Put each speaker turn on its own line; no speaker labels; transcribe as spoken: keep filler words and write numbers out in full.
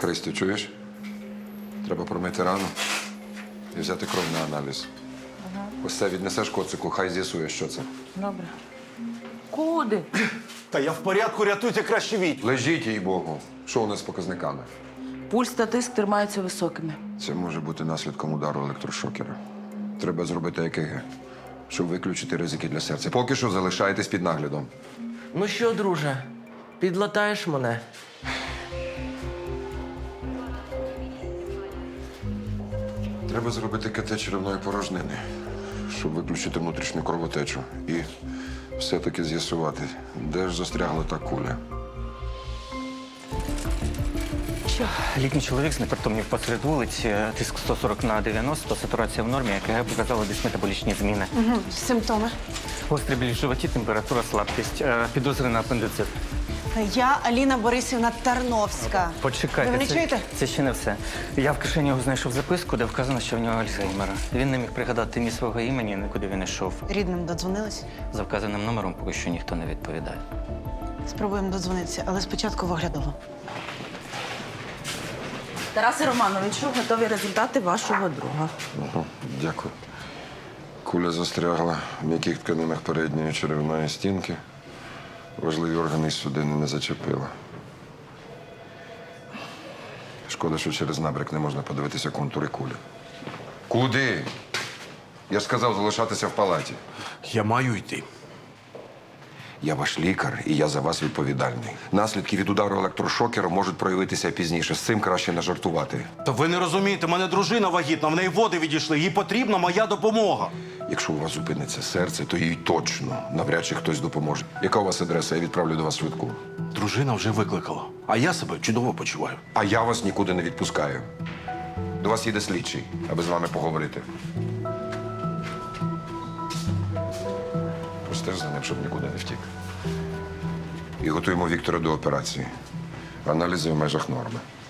Христю, чуєш? Треба промити рану і взяти кров на аналіз.
Ага.
Ось це віднесеш коцику, хай з'ясує, що це.
Добре. Куди?
Та я в порядку, рятуйте краще Вітю.
Лежіть, їй Богу. Що у нас з показниками?
Пульс та тиск тримаються високими.
Це може бути наслідком удару електрошокера. Треба зробити ЕКГ, щоб виключити ризики для серця. Поки що залишайтесь під наглядом.
Ну що, друже, підлатаєш мене?
Треба зробити КТ черевної порожнини, щоб виключити внутрішню кровотечу. І все-таки з'ясувати, де ж застрягла та куля.
Літній чоловік знепритомнів посеред вулиці, тиск сто сорок на дев'яносто, сатурація в нормі, ЕКГ показала дисметаболічні зміни.
Угу. Симптоми.
Гострий біль в животі, температура, слабкість, е, підозри на апендицит.
Я Аліна Борисівна Тарновська.
Почекайте,
Ви мене
це,
чуєте?
це ще не все. Я в кишені його знайшов записку, де вказано, що в нього Альцгеймер. Він не міг пригадати ні свого імені, ні куди він йшов.
Рідним додзвонились?
За вказаним номером поки що ніхто не відповідає.
Спробуємо додзвонитися, але спочатку в оглядову.
Тарасе Романовичу, готові результати вашого друга.
Угу, дякую. Куля застрягла в м'яких тканинах передньої черевної стінки. Важливі органи і судини не зачепила. Шкода, що через набряк не можна подивитися контури кулі. Куди? Я ж сказав залишатися в палаті.
Я маю йти.
Я ваш лікар, і я за вас відповідальний. Наслідки від удару електрошокеру можуть проявитися пізніше. З цим краще не жартувати.
Та ви не розумієте, в мене дружина вагітна, в неї води відійшли, їй потрібна моя допомога.
Якщо у вас зупиниться серце, то їй точно навряд чи хтось допоможе. Яка у вас адреса? Я відправлю до вас швидку.
Дружина вже викликала, а я себе чудово почуваю.
А я вас нікуди не відпускаю. До вас їде слідчий, аби з вами поговорити. Простеж за ним, щоб нікуди не втік. І готуємо Віктора до операції. Аналізи в межах норми.